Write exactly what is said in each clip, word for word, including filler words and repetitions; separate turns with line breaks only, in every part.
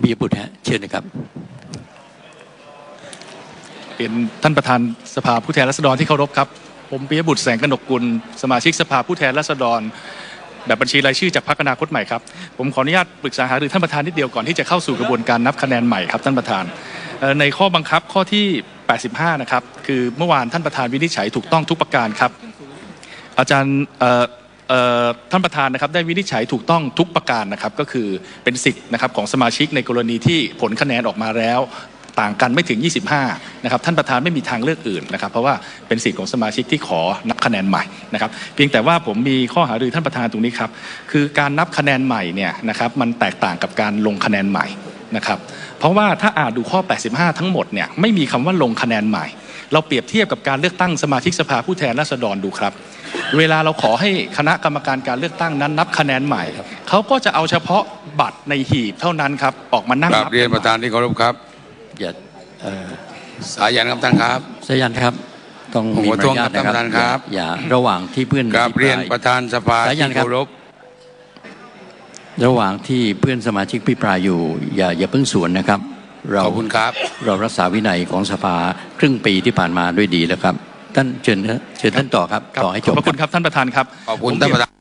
ปิยบุตรฮะเชิญนะครับ
เป็นท่านประธานสภาผู้แทนราษฎรที่เคารพครับผมปิยบุตรแสงกนกกุลสมาชิกสภาผู้แทนราษฎรแบบบัญชีรายชื่อจากพรรคอนาคตใหม่ครับผมขออนุญาตปรึกษาหารือท่านประธานนิดเดียวก่อนที่จะเข้าสู่กระบวนการนับคะแนนใหม่ครับท่านประธานในข้อบังคับข้อที่แปดสิบห้านะครับคือเมื่อวานท่านประธานวินิจฉัยถูกต้องทุกประการครับอาจารย์ท่านประธานนะครับได้วินิจฉัยถูกต้องทุกประการนะครับก็คือเป็นสิทธิ์นะครับของสมาชิกในกรณีที่ผลคะแนนออกมาแล้วต่างกันไม่ถึงยี่สิบห้านะครับท่านประธานไม่มีทางเลือกอื่นนะครับเพราะว่าเป็นสิทธิ์ของสมาชิกที่ขอนับคะแนนใหม่นะครับเพียงแต่ว่าผมมีข้อหารือท่านประธานตรงนี้ครับคือการนับคะแนนใหม่เนี่ยนะครับมันแตกต่างกับการลงคะแนนใหม่นะครับเพราะว่าถ้าอ่านดูข้อแปดสิบห้าทั้งหมดเนี่ยไม่มีคำว่าลงคะแนนใหม่เราเปรียบเทียบกับการเลือกตั้งสมาชิกสภาผู้แทนราษฎรดูครับเวลาเราขอให้คณะกรรมการการเลือกตั้งนั้นนับคะแนนใหม่เขาก็จะเอาเฉพาะบัตรในหีบเท่านั้นครับออกมานั่งนับ
เรียนประธานที่เคารพครับ
อย่า
สายันครับท่านครับ
สายันครับต้องมีมารยาทนะครับอย่าระหว่างที่เพื่อน
กราบเรียนประธานสภาที่เคารพ
ระหว่างที่เพื่อนสมาชิกพิปรายอยู่อย่าอย่าเพิ่งสวนนะครับ
เราขอบคุณครับ
เรารักษาวินัยของสภาครึ่งปีที่ผ่านมาด้วยดีแล้วครับท่านเชิญเชิญท่านต่อครับต่อให้จบ
ขอบคุณครับท่านประธานครับ
ขอบคุณท่านประธาน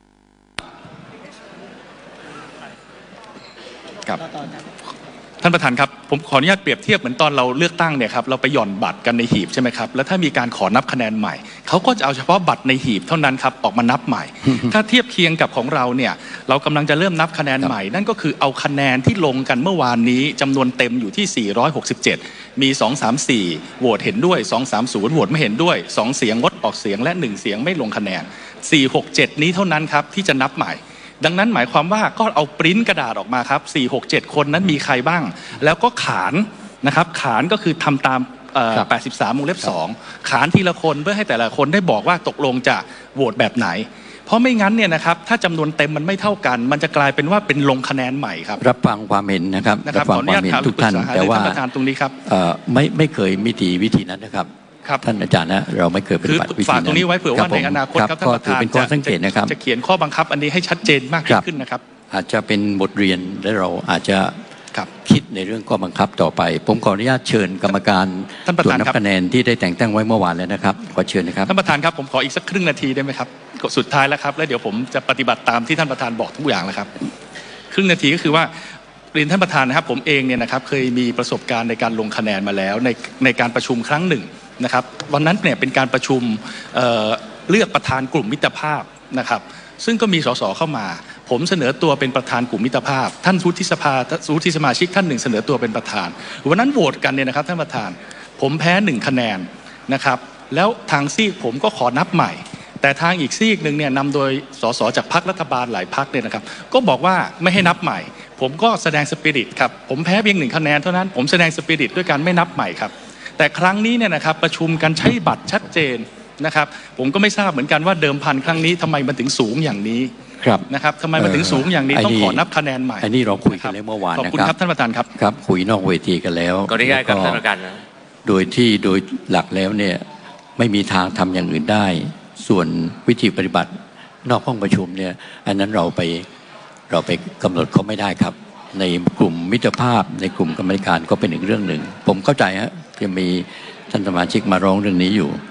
ครับท่านประธานครับผมขออนุญาตเปรียบเทียบเหมือนตอนเราเลือกตั้งเนี่ยครับเราไปหย่อนบัตรกันในหีบใช่ไหมครับแล้วถ้ามีการขอนับคะแนนใหม่เขาก็จะเอาเฉพาะบัตรในหีบเท่านั้นครับออกมานับใหม่ ถ้าเทียบเคียงกับของเราเนี่ยเรากำลังจะเริ่มนับคะแนนใหม่นั่นก็คือเอาคะแนนที่ลงกันเมื่อวานนี้จำนวนเต็มอยู่ที่สี่ร้อยหกสิบเจ็ดมีสองสามสี่โหวตเห็นด้วยสองสามศูนย์โหวตไม่เห็นด้วยสองเสียงงดออกเสียงและหนึ่งเสียงไม่ลงคะแนนสี่หกเจ็ดนี้เท่านั้นครับที่จะนับใหม่ดังนั้นหมายความว่าก็เอาปริ้นกระดาษออกมาครับสี่ หก เจ็ดคนนั้นมีใครบ้างแล้วก็ขานนะครับขานก็คือทำตามแปดสิบสามวงเล็บสองขานทีละคนเพื่อให้แต่ละคนได้บอกว่าตกลงจะโหวตแบบไหนเพราะไม่งั้นเนี่ยนะครับถ้าจำนวนเต็มมันไม่เท่ากันมันจะกลายเป็นว่าเป็นลงคะแนนใหม่ครับ
รับฟังความเห็นนะครับรับฟังความเห็นทุกท่านแต่ว่า
ตรงนี้ครับ
ไม่ไม่เคยมีวิธีนั้นนะครับท่านอาจารย์นะเราไม่เคยปฏิบัติวิธีนั้น
ฝากตรงนี้ไว้เผื่อว่าในอนาคตครับท่านประธานจะเขียนข้อบังคับอันนี้ให้ชัดเจนมากขึ้นนะครับ
อาจจะเป็นบทเรียนและเราอาจจะคิดในเรื่องข้อบังคับต่อไปผมขออนุญาตเชิญกรรมการตรวจนับคะแนนที่ได้แต่งตั้งไว้เมื่อวานแล้วนะครับขอเชิญนะครับ
ท่านประธานครับผมขออีกสักครึ่งนาทีได้ไหมครับสุดท้ายแล้วครับแล้วเดี๋ยวผมจะปฏิบัติตามที่ท่านประธานบอกทุกอย่างแล้วครับครึ่งนาทีก็คือว่าเรียนท่านประธานนะครับผมเองเนี่ยนะครับเคยมีประสบการณ์ในการลงคะแนนมาแล้วในในการประชุมครั้งหนึ่งนะครับวันนั้นเนี่ยเป็นการประชุม เอ่อ เลือกประธานกลุ่มมิตรภาพนะครับซึ่งก็มีสสเข้ามาผมเสนอตัวเป็นประธานกลุ่มมิตรภาพท่านวุฒิสภาวุฒิสมาชิกท่านหนึ่งเสนอตัวเป็นประธานวันนั้นโหวตกันเนี่ยนะครับท่านประธานผมแพ้หนึ่งคะแนนนะครับแล้วทางซีกผมก็ขอนับใหม่แต่ทางอีกซีกหนึ่งเนี่ยนำโดยสสจากพรรครัฐบาลหลายพรรคเนี่ยนะครับก็บอกว่าไม่ให้นับใหม่ผมก็แสดงสปิริตครับผมแพ้เพียงหนึ่งคะแนนเท่านั้นผมแสดงสปิริตด้วยการไม่นับใหม่ครับแต่ครั้งนี้เนี่ยนะครับประชุมกันใช้บัตรชัดเจนนะครับผมก็ไม่ทราบเหมือนกันว่าเดิมพันครั้งนี้ทำไมมันถึงสูงอย่างนี้นะครับทำไมมันถึงสูงอย่างนี้ต้องขอนับคะแนนใหม่
อันนี้เราคุยกันเมื่อวาน
ขอบคุณครับท่านประธานครับ
ครับคุยนอกเวทีกันแล้ว
ก็ได้กับท่านประธานนะ
โดยที่โดยหลักแล้วเนี่ยไม่มีทางทำอย่างอื่นได้ส่วนวิธีปฏิบัตินอกห้องประชุมเนี่ยอันนั้นเราไปเราไปกำหนดเขาไม่ได้ครับในกลุ่มมิตรภาพในกลุ่มกรรมการก็เป็นอีกเรื่องหนึ่งผมเข้าใจฮะจะมีท่านสมาชิกมาร้องเรื่องนี้อยู่